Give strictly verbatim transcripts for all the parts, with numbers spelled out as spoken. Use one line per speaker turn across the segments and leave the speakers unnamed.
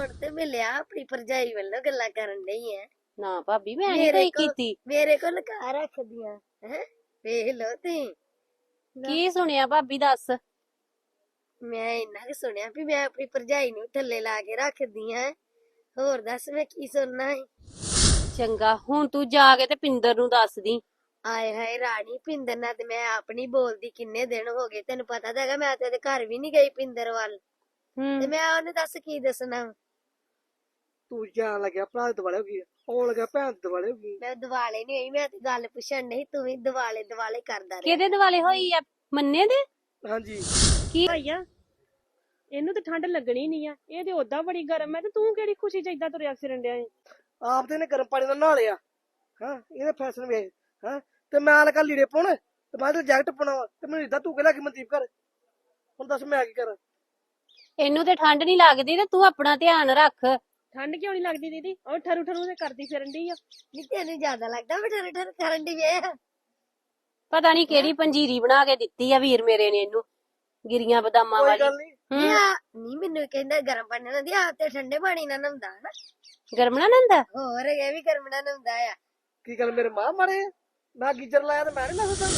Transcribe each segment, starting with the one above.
ਹੁਣ ਤੇ ਮਿਲਿਆ ਆਪਣੀ ਭਰਜਾਈ ਵੱਲੋਂ ਗੱਲਾਂ ਕਰਨ ਡਈ ਐ।
ਨਾ ਭਾਬੀ ਮੈਂ ਨਹੀਂ
ਮੇਰੇ
ਕੋਈ
ਕੋਲ
ਕੀਤੀ।
ਮੇਰੇ ਕੋਲ ਲਗਾ ਰੱਖਦੀਆਂ ਹੈ। ਵੇਖ ਲੋ ਤੇ
ਕੀ ਸੁਣਿਆ ਭਾਬੀ ਦੱਸ।
ਮੈਂ ਇੰਨਾ ਕਿ ਸੁਣਿਆ ਵੀ ਮੈਂ ਆਪਣੀ ਭਰਜਾਈ ਨੂੰ ਥੱਲੇ ਲਾ ਕੇ ਰੱਖਦੀ ਆ। ਹੋਰ ਦੱਸ ਮੈਂ ਕੀ ਸੁਣਨਾ ਹੈ।
ਚੰਗਾ ਹੁਣ ਤੂੰ ਜਾ ਕੇ ਤੇ ਪਿੰਦਰ ਨੂੰ ਦੱਸਦੀ।
ਆਏ ਹਾਏ ਰਾਣੀ, ਪਿੰਦਰ ਨਾਲ ਤੇ ਮੈਂ ਆਪਣੀ ਬੋਲਦੀ ਕਿੰਨੇ ਦਿਨ ਹੋ ਗਏ। ਤੈਨੂੰ ਪਤਾ ਤਾਂ ਹੈਗਾ ਮੈਂ ਤੇ ਉਹਦੇ ਘਰ ਵੀ ਨਹੀਂ ਗਈ ਪਿੰਦਰ ਵੱਲ। ਤੇ
ਹੂੰ
ਮੈਂ ਉਹਨੇ ਦੱਸ ਕੀ ਦੱਸਣਾ।
ਤੂੰ ਜਾਣ ਲੱਗਿਆ ਭਰਾ ਦੇ ਦੁਆਲੇ ਹੋ ਗਈ ਆਉਣ ਲੱਗਿਆ ਭੈਣ ਦੇ ਦੁਆਲੇ ਹੋ ਗਈ।
ਮੈਂ ਦਿਵਾਲੇ ਨਹੀਂ ਹੋਈ, ਮੈਂ ਤੇ ਗੱਲ ਪੁੱਛਣ ਨਹੀਂ, ਤੂੰ ਵੀ ਦਿਵਾਲੇ ਦਿਵਾਲੇ ਕਰਦਾ ਰਿਹਾ।
ਕਿਹਦੇ ਦਿਵਾਲੇ ਹੋਈ ਆ? ਮੰਨੇ ਦੇ?
ਹਾਂਜੀ
ਕੀ
ਭਾਈਆ ਇਹਨੂੰ ਤੇ ਠੰਡ ਲੱਗਣੀ ਨਹੀਂ ਆ, ਇਹ ਤੇ ਓਦਾਂ ਬੜੀ ਗਰਮ ਹੈ ਤੇ ਤੂੰ ਕਿਹੜੀ ਖੁਸ਼ੀ ਚ ਏਦਾਂ ਤੁਰਿਆ ਫਿਰਨ ਡਿਆ ਏ।
ਆਪ ਤੇ ਇਹਨੇ ਗਰਮ ਪਾਣੀ ਨਾਲ ਨਹਾ ਲਿਆ। ਹਾਂ ਇਹਦੇ ਫੈਸ਼ਨ ਵੇਖ। ਹਾਂ ਤੇ ਮੈਂ ਲਗਾ ਲੀੜੇ ਪਾਉਣ ਤੇ ਮੈਂ ਤੇ ਜੈਕਟ ਪਾਉਣਾ ਵਾ ਤੇ ਮੈਨੂੰ ਇਦਾਂ ਤੂੰ ਕਹਿ ਕਿ ਮਨਦੀਪ ਕਰ। ਹੁਣ ਦੱਸ ਮੈਂ ਕੀ ਕਰਾਂ।
ਇਹਨੂੰ ਤੇ ਠੰਡ ਨਹੀਂ ਲੱਗਦੀ ਤੇ ਤੂੰ ਆਪਣਾ ਧਿਆਨ ਰੱਖ।
ਠੰਡ ਕਿਉਂ ਨਹੀਂ ਲੱਗਦੀ ਦੀਦੀ? ਉਹ ਠਰੂ ਠਰੂ ਤੇ ਕਰਦੀ ਫਿਰਨ ਡਈ ਆ।
ਨਹੀਂ ਤੈਨੂੰ ਜ਼ਿਆਦਾ ਲੱਗਦਾ ਮੈਂ ਠਰ ਠਰ ਕਰਨ ਦੀ ਵੇਖ।
ਪਤਾ ਨਹੀਂ ਕਿਹੜੀ ਪੰਜੀਰੀ ਬਣਾ ਕੇ ਦਿੱਤੀ ਆ ਵੀਰ ਮੇਰੇ ਨੇ ਇਹਨੂੰ, ਗਿਰੀਆਂ ਬਦਾਮਾਂ
ਕੋਈ
ਵਾਲੀ।
ਗੱਲ ਨਹੀਂ।
ਹੂੰ
ਨਹੀਂ ਮੈਨੂੰ ਕਹਿੰਦਾ ਗਰਮ ਪਾਣੀ ਨਾਲ ਦੀ ਆ ਤੇ ਠੰਡੇ ਪਾਣੀ ਨਾਲ ਨਹਾਉਂਦਾ ਨਾ।
ਗਰਮਣਾ ਨੰਦਾ।
ਹੋਰ ਇਹ ਵੀ ਗਰਮ ਨਾਲ ਨਹਾਉਂਦਾ ਆ।
ਕੀ ਗੱਲ ਮੇਰੇ ਮਾਂ ਮਾਰੇ ਆ? ਮੈਂ ਗੀਜਰ ਲਾਇਆ ਤੇ ਮੈਂ ਨਹੀਂ ਨਸਦਾ।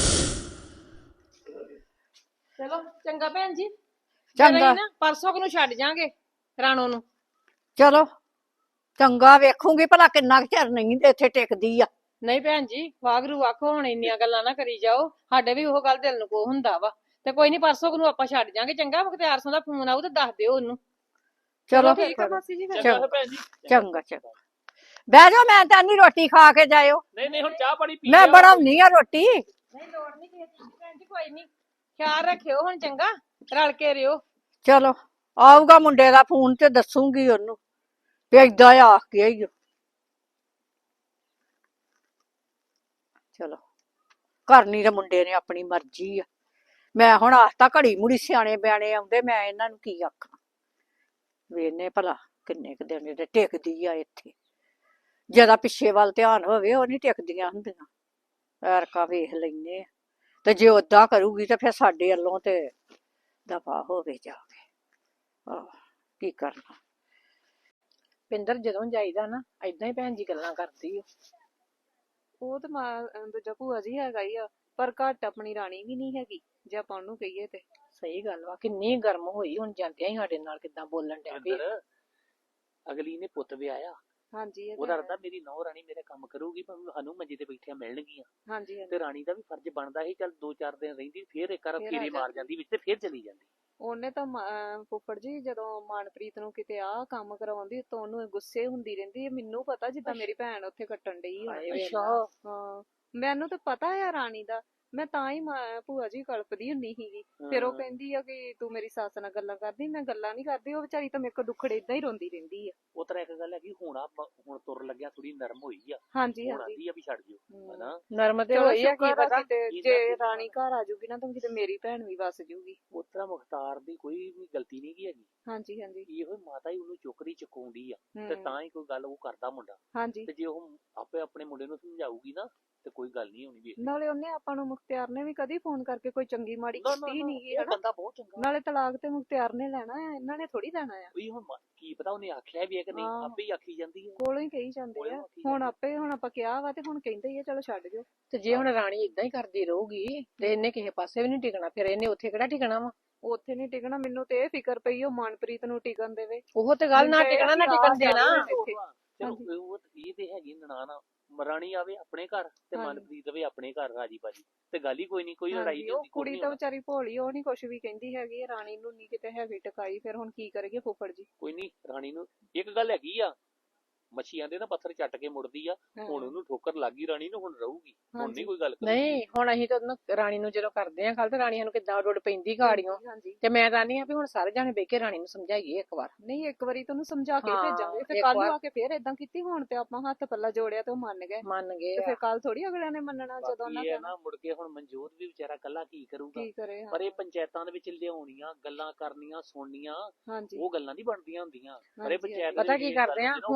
ਚਲੋ ਚੰਗਾ ਭੈਣ ਜੀ,
ਚੰਗਾ
ਨਾ ਪਰਸੋਂ ਕੁ ਨੂੰ ਛੱਡ ਜਾਾਂਗੇ ਰਾਣੋ ਨੂੰ।
ਚਲੋ ਚੰਗਾ ਵੇਖੂਗੀ ਭਲਾ ਕਿੰਨਾ ਕੁ ਚਿਰ ਨਹੀਂ ਤੇ ਇੱਥੇ ਟਿਕਦੀ ਆ।
ਨਹੀਂ ਭੈਣ ਜੀ ਵਾਗਰੂ ਆਖੋ, ਹੁਣ ਇੰਨੀਆਂ ਗੱਲਾਂ ਨਾ ਕਰੀ ਜਾਓ। ਸਾਡੇ ਵੀ ਉਹ ਗੱਲ ਦਿਲ ਨੂੰ ਕੋ ਹੁੰਦਾ ਵਾ। ਤੇ ਕੋਈ ਨਹੀਂ ਪਰਸੋਂ ਕੁ ਨੂੰ ਆਪਾਂ ਛੱਡ ਜਾਾਂਗੇ। ਚੰਗਾ ਮੁਖਤਿਆਰ ਸਿੰਘ ਦਾ ਫੋਨ ਆਊ ਤੇ ਦੱਸ ਦਿਓ ਉਹਨੂੰ।
ਚਲੋ
ਠੀਕ ਆ ਮਾਸੀ ਜੀ ਫਿਰ।
ਚੰਗਾ ਚੰਗਾ ਚੰਗਾ ਬਹਿ ਜਾਓ, ਮੈਂ ਤਾਂ ਨਹੀਂ ਰੋਟੀ ਖਾ ਕੇ ਜਾਇਓ।
ਨਹੀਂ ਨਹੀਂ ਹੁਣ ਚਾਹ ਪਾਣੀ ਪੀ
ਮੈਂ ਬਣਾਉਣੀ ਆ ਰੋਟੀ।
ਨਹੀਂ ਲੋੜ ਨਹੀਂ ਕਿਸੇ ਚੀਜ਼ ਦੀ ਭੈਣ ਜੀ, ਕੋਈ ਨਹੀਂ। ਖਿਆਲ ਰੱਖਿਓ ਹੁਣ, ਚੰਗਾ ਰਲ ਕੇ ਰਿਓ।
ਚਲੋ ਆਊਗਾ ਮੁੰਡੇ ਦਾ ਫੋਨ ਤੇ ਦੱਸੂਗੀ ਉਹਨੂੰ ਵੀ ਏਦਾਂ ਆ ਕੇ ਆਈਓ। ਚਲੋ ਕਰਨੀ ਤੇ ਮੁੰਡੇ ਨੇ ਆਪਣੀ ਮਰਜ਼ੀ ਆ। ਮੈਂ ਹੁਣ ਆਖਤਾ ਘੜੀ ਮੁੜੀ ਸਿਆਣੇ ਬਿਆਣੇ ਆਉਂਦੇ, ਮੈਂ ਇਹਨਾਂ ਨੂੰ ਕੀ ਆਖਾਂ। ਵੇਨੇ ਭਲਾ ਕਿੰਨੇ ਕੁ ਦਿਨ ਦੇ ਟਿਕਦੀ ਆ ਇੱਥੇ। ਜਿਹਦਾ ਪਿੱਛੇ ਵੱਲ ਧਿਆਨ ਹੋਵੇ ਉਹ ਨਹੀਂ ਟਿਕਦੀਆਂ ਹੁੰਦੀਆਂ। ਐਰਕਾ ਵੇਖ ਲੈਨੇ ਆ ਤੇ ਜੇ ਓਦਾਂ ਕਰੂਗੀ ਤੇ ਫਿਰ ਸਾਡੇ ਵੱਲੋਂ ਤੇ ਦਫਾ ਹੋਵੇ ਜਾ ਕੇ। ਆਹ ਕੀ ਕਰਨਾ।
ਪਿੰਦਰ ਜਦੋਂ ਜਾਈਦਾ ਨਾ ਏਦਾਂ ਹੀ ਭੈਣ ਜੀ ਗੱਲਾਂ ਕਰਦੀ ਆ। ਉਹ ਤੇ ਮਾਂ ਦੂਜਾ ਭੂਆ ਜੀ ਹੈਗਾ ਹੀ ਆ, ਪਰ ਘੱਟ ਆਪਣੀ ਰਾਣੀ ਵੀ ਨਹੀਂ ਹੈਗੀ ਜੇ ਆਪਾਂ ਉਹਨੂੰ ਕਹੀਏ ਤੇ।
ਸਹੀ ਗੱਲ ਵਾ, ਕਿੰਨੀ ਗਰਮ ਹੋਈ ਹੁਣ ਜਾਂਦਿਆਂ ਹੀ ਸਾਡੇ ਨਾਲ ਕਿੱਦਾਂ ਬੋਲਣ ਡਿਆ ਵੀ।
ਅਗਲੀ ਨੇ ਪੁੱਤ ਵਿਆਹਿਆ,
ਹਾਂਜੀ ਇਹ
ਉਹਦਾ
ਤਾਂ
ਰਦਾ ਮੇਰੀ ਨੌ ਰਾਣੀ ਮੇਰੇ ਕੰਮ ਕਰੂਗੀ, ਪਰ ਸਾਨੂੰ ਮੰਜੇ ਤੇ ਬੈਠਿਆਂ ਮਿਲਣਗੀਆਂ।
ਹਾਂਜੀ ਹਾਂਜੀ।
ਤੇ ਰਾਣੀ ਦਾ ਵੀ ਫਰਜ਼ ਬਣਦਾ ਸੀ, ਚੱਲ ਦੋ ਚਾਰ ਦਿਨ ਰਹਿੰਦੀ ਫੇਰ ਇੱਕ ਵਾਰ
ਫੇਰ ਆ
ਫੇਰੇ ਮਾਰ
ਜਾਂਦੀ।
ਜਾਂਦੀ ਵਿੱਚ ਤੇ ਫੇਰ ਚਲੀ ਜਾਂਦੀ।
ਉਹਨੇ ਤਾਂ ਮ- ਅਹ ਫੁੱਫੜ ਜੀ ਜਦੋਂ ਮਨਪ੍ਰੀਤ ਨੂੰ ਕਿਤੇ ਆਹ ਕੰਮ ਕਰਾਉਂਦੀ ਤਾਂ ਉਹਨੂੰ ਗੁੱਸੇ ਹੁੰਦੀ ਰਹਿੰਦੀ ਹੈ। ਮੈਨੂੰ ਪਤਾ ਜਿੱਦਾਂ ਮੇਰੀ ਭੈਣ ਉੱਥੇ ਕੱਟਣ ਡਈ ਹੁਣ।
ਅੱਛਾ
ਹਾਂ ਮੈਨੂੰ ਤਾਂ ਪਤਾ ਆ ਰਾਣੀ ਦਾ। ਮੈਂ ਤਾਂ ਹੀ ਮਾਂ- ਭੂਆ ਜੀ ਕਲਪਦੀ ਹੁੰਦੀ ਸੀਗੀ। ਫਿਰ ਉਹ
ਹਾਂ।
ਕਹਿੰਦੀ ਆ ਕਿ ਤੂੰ ਮੇਰੀ ਸੱਸ ਨਾਲ ਗੱਲਾਂ ਕਰਦੀ। ਮੈਂ ਗੱਲਾਂ ਨਹੀਂ ਕਰਦੀ, ਉਹ ਵਿਚਾਰੀ ਤਾਂ ਮੇਰੇ ਕੋਲ ਦੁੱਖੜੇ ਏਦਾਂ ਹੀ ਰੋਂਦੀ ਰਹਿੰਦੀ ਆ।
ਉਹ ਤਰ੍ਹਾਂ ਇੱਕ ਗੱਲ ਹੈਗੀ, ਹੁਣ ਆ ਹੁਣ ਤੁਰ ਲੱਗਿਆ ਥੋੜੀ ਨਰਮ ਹੋਈ ਆ।
ਹਾਂਜੀ
ਹੁਣ
ਹਾਂਜੀ।
ਆਂਦੀ ਆ ਵੀ ਛੱਡ ਜਿਓ
ਹਮ।
ਹਨਾ।
ਨਰਮ ਤੇ
ਚਲੋ
ਹੋਈ ਆ, ਕੀ
ਸ਼ੁਕਰ ਆ
ਪਤਾ
ਕਿਤੇ
ਕੀ
ਜੇ
ਕਰਦੀ
ਰਾਣੀ ਘਰ ਆ ਜੂਗੀ ਨਾ ਤਾਂ ਕਿਤੇ ਮੇਰੀ ਭੈਣ ਵੀ ਵਸ ਜੂਗੀ।
ਉਸ ਤਰ੍ਹਾਂ ਮੁਖਤਾਰ ਦੀ ਕੋਈ ਵੀ ਗਲਤੀ ਨਹੀਂ ਗੀ ਹੈਗੀ।
ਹਾਂਜੀ ਹਾਂਜੀ।
ਇਹੋ ਹੀ ਮਾਤਾ ਹੀ ਉਹਨੂੰ ਚੁੱਕਦੀ ਚੁਕਾਉਂਦੀ ਆ ਤੇ
ਹਮ,
ਤਾਂ ਹੀ ਕੋਈ ਗੱਲ ਉਹ ਕਰਦਾ ਮੁੰਡਾ।
ਹਾਂਜੀ।
ਤੇ ਜੇ ਉਹ ਆਪੇ ਆਪਣੇ ਮੁੰਡੇ ਨੂੰ ਸਮਝਾਊਗੀ ਨਾ ਤੇ ਕੋਈ ਗੱਲ ਨਹੀਂ ਹੋਣੀ। ਵੀ
ਨਾਲੇ ਉਹਨੇ ਆਪਾਂ ਨੂੰ ਮੁਖਤਿਆਰ ਨੇ ਵੀ ਕਦੀ ਫੋਨ ਕਰਕੇ ਕੋਈ ਚੰਗੀ ਮਾੜੀ
ਨਾ ਨਾ
ਕੀਤੀ
ਨਾ,
ਨਹੀਂ
ਉਹ
ਹਨਾ।
ਬੰਦਾ ਬਹੁਤ ਚੰਗਾ।
ਨਾਲੇ ਤਲਾਕ ਤੇ ਮੁਖਤਿਆਰ ਨੇ ਲੈਣਾ ਆ, ਇਹਨਾਂ ਨੇ ਥੋੜੀ ਲੈਣਾ ਆ।
ਵੀ ਹੁਣ ਮ- ਕੀ ਪਤਾ ਉਹਨੇ ਆਖਿਆ ਵੀ ਹੈ ਕਿ ਨਹੀਂ,
ਹਾਂ।
ਆਪੇ ਹੀ ਆਖੀ ਜਾਂਦੀ ਹੈ।
ਕੋਲੋਂ ਹੀ ਕਹੀ ਜਾਂਦੇ
ਕੋਲੋਂ
ਆ।
ਆਖੀ
ਹੁਣ
ਜਾਂਦੀ।
ਆਪੇ ਹੁਣ ਆਪਾਂ ਕਿਹਾ ਵਾ ਤੇ ਹੁਣ ਕਹਿੰਦੇ ਹੀ ਆ ਚਲੋ ਛੱਡ ਜਾਓ।
ਤੇ ਜੇ ਹੁਣ ਰਾਣੀ ਇਦਾਂ ਹੀ ਕਰਦੀ ਰਹੂਗੀ ਤੇ ਇਹਨੇ ਕਿਸੇ ਪਾਸੇ ਵੀ ਨਹੀਂ ਟਿਕਣਾ, ਫਿਰ ਇਹਨੇ ਉੱਥੇ ਕਿਹੜਾ ਟਿਕਣਾ ਵਾ।
ਉੱਥੇ ਨਹੀਂ ਟਿਕਣਾ। ਮੈਨੂੰ ਤੇ ਇਹ ਫਿਕਰ ਪਈ ਉਹ ਮਨਪ੍ਰੀਤ ਨੂੰ ਟਿਕਣ ਦੇਵੇ।
ਉਹ ਤੇ ਗੱਲ ਨਾ
ਮੈਨੂੰ ਤਾਂ
ਟਿਕਣਾ ਨਾ
ਇਹ
ਟਿਕਣ
ਆਸ ਆ
ਦੇਣਾ।
ਵੀ ਇੱਥੇ।
ਚਲੋ
ਹਾਂਜੀ।
ਉਹ ਇਹ ਤੇ ਹੈਗੀ ਨਨਾਣਾ, ਰਾਣੀ ਆਵੇ ਆਪਣੇ ਘਰ ਤੇ
ਹਾਂਜੀ।
ਮਨਪ੍ਰੀਤ ਆਵੇ ਆਪਣੇ ਘਰ ਰਾਜੀ ਬਾਜੀ ਤੇ ਗੱਲ ਹੀ ਕੋਈ ਨਹੀਂ, ਕੋਈ ਲੜਾਈ
ਹਾਂਜੀ,
ਨਹੀਂ
ਉਹ
ਹੁੰਦੀ।
ਕੁੜੀ ਤਾਂ ਵਿਚਾਰੀ ਭੋਲੀ, ਉਹ ਨਹੀਂ ਕੁਛ ਵੀ ਕਹਿੰਦੀ ਹੈਗੀ। ਇਹ ਰਾਣੀ ਨੂੰ ਨਹੀਂ ਕਿਤੇ ਹੈਗੀ ਟਿਕਾਈ। ਫਿਰ ਹੁਣ ਕੀ ਕਰੇਗੇ ਫੁੱਫੜ ਜੀ।
ਕੋਈ ਨਹੀਂ ਰਾਣੀ ਨੂੰ ਇੱਕ ਗੱਲ ਹੈਗੀ ਆ, ਮੱਛੀਆਂ ਦੇ ਨਾ ਪੱਥਰ ਚੱਟ ਕੇ ਮੁੜਦੀ ਆ।
ਹਾਂ।
ਹੁਣ ਉਹਨੂੰ ਠੋਕਰ ਲੱਗ ਗਈ ਰਾਣੀ ਨੂੰ, ਹੁਣ ਰਹੂਗੀ। ਹੁਣ
ਹਾਂਜੀ।
ਨਹੀਂ ਕੋਈ ਗੱਲ ਕਰੂਗੀ।
ਨਹੀਂ ਹੁਣ ਅਸੀਂ ਤਾਂ ਉਹਨੂੰ ਰਾਣੀ ਨੂੰ ਜਦੋਂ ਕਰਦੇ ਆ ਗੱਲ ਤੇ ਰਾਣੀ ਸਾਨੂੰ ਕਿੱਦਾਂ ਉੱਡ ਪੈਂਦੀ ਗਾੜੀਆਂ।
ਹਾਂਜੀ।
ਤੇ ਮੈਂ ਕਹਿੰਦੀ ਆ ਵੀ ਹੁਣ ਸਾਰੇ ਜਾਣੇ ਬਹਿ ਕੇ ਰਾਣੀ ਨੂੰ ਸਮਝਾਈਏ ਇੱਕ ਵਾਰ।
ਨਹੀਂ ਇੱਕ ਵਾਰੀ ਤੁਹਾਨੂੰ ਸਮਝਾ ਕੇ
ਹਾਂ,
ਭੇਜਾਂਗੇ। ਫਿਰ
ਇੱਕ
ਕੱਲ ਨੂੰ
ਵਾਰ।
ਆ ਕੇ ਫਿਰ ਏਦਾਂ ਕੀਤੀ। ਹੁਣ ਤੇ ਆਪਾਂ ਹੱਥ ਪੱਲਾ ਜੋੜਿਆ ਤੇ ਉਹ ਮੰਨ ਗਏ।
ਮੰਨ ਗਏ
ਤੇ
ਆ।
ਫਿਰ ਕੱਲ ਥੋੜੀ ਅਗਲਿਆਂ ਨੇ ਮੰਨਣਾ ਜਦੋਂ ਉਹਨਾਂ
ਬਾਕੀ ਇਹ
ਕਹਿਣਾ।
ਨਾ ਮੁੜ ਕੇ ਹੁਣ ਮਨਜੋਤ ਵੀ ਵਿਚਾਰਾ ਕੱਲਾ ਕੀ ਕਰੂਗਾ।
ਕੀ ਕਰੇ।
ਪਰ ਇਹ
ਹਾਂ।
ਪੰਚਾਇਤਾਂ ਦੇ ਵਿੱਚ ਲਿਆਉਣੀਆਂ, ਗੱਲਾਂ ਕਰਨੀਆਂ, ਸੁਣਨੀਆਂ,
ਹਾਂਜੀ
ਉਹ ਗੱਲਾਂ ਨਹੀਂ ਬਣਦੀਆਂ ਹੁੰਦੀਆਂ। ਪਰ ਇਹ
ਹਾਂਜੀ,
ਪੰਚਾਇਤ
ਪਤਾ
ਦੇ
ਕੀ
ਵਿੱਚ ਗੱਲ
ਕਰਦੇ ਆ
ਹੁੰਦੀ ਨਾ,
ਹੁਣ ਤੇ ਨਾ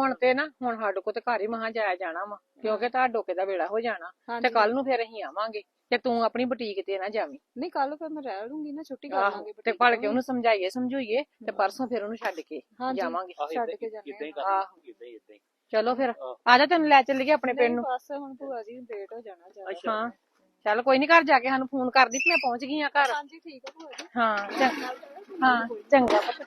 ਹੁਣ ਸਾਡੇ ਕੋਲ ਤੇ ਘਰ ਹੀ ਮਹਾ ਜਾਇਆ ਜਾਣਾ ਵਾ ਕਿਉਂਕਿ ਤੁਹਾਡੇ ਡੋਕੇ ਦਾ ਵੇਲਾ ਹੋ ਜਾਣਾ ਤੇ
ਹਾਂਜੀ
ਕੱਲ ਨੂੰ ਫਿਰ ਅਸੀਂ ਆਵਾਂਗੇ ਤੇ ਤੂੰ ਆਪਣੀ ਬੁਟੀਕ ਤੇ ਨਾ ਜਾਵੀਂ
ਨਹੀਂ ਕੱਲ ਫਿਰ ਮੈਂ ਰਹਿ ਲੂੰਗੀ ਨਾ ਛੁੱਟੀ ਕਰ
ਆਹੋ
ਲਾਂਗੇ
ਤੇ ਭੜ ਕੇ ਉਹਨੂੰ ਸਮਝਾਈਏ ਸਮਝੂਈਏ ਤੇ ਪਰਸੋਂ ਫਿਰ ਉਹਨੂੰ ਛੱਡ ਕੇ
ਹਾਂਜੀ।
ਜਾਵਾਂਗੇ
ਆਹ
ਛੱਡ
ਏਦਾਂ
ਕੇ
ਹੀ
ਜਾਂਦੇ
ਏਦਾਂ ਹੀ
ਆ।
ਕਰ
ਆਹੋ।
ਏਦਾਂ ਹੀ ਏਦਾਂ ਹੀ
ਚਲੋ ਫਿਰ
ਆਹ।
ਆ ਜਾ ਤੈਨੂੰ ਲੈ ਚੱਲੀਏ ਆਪਣੇ ਪਿੰਡ
ਨਹੀਂ
ਨੂੰ
ਬਸ ਹੁਣ ਭੂਆ ਜੀ ਲੇਟ ਹੋ ਜਾਣਾ ਜ਼ਿਆਦਾ
ਅੱਛਾ।
ਹਾਂ ਚੱਲ ਕੋਈ ਨਹੀਂ ਘਰ ਜਾ ਕੇ ਸਾਨੂੰ ਫੋਨ ਕਰਦੀ ਕਿ ਮੈਂ ਪਹੁੰਚ ਗਈ ਆ ਘਰ
ਹਾਂਜੀ ਠੀਕ ਆ ਭੂਆ ਜੀ
ਹਾਂ ਚੰਗਾ ਹਾਂ ਚੰਗਾ ਪੁੱਤ।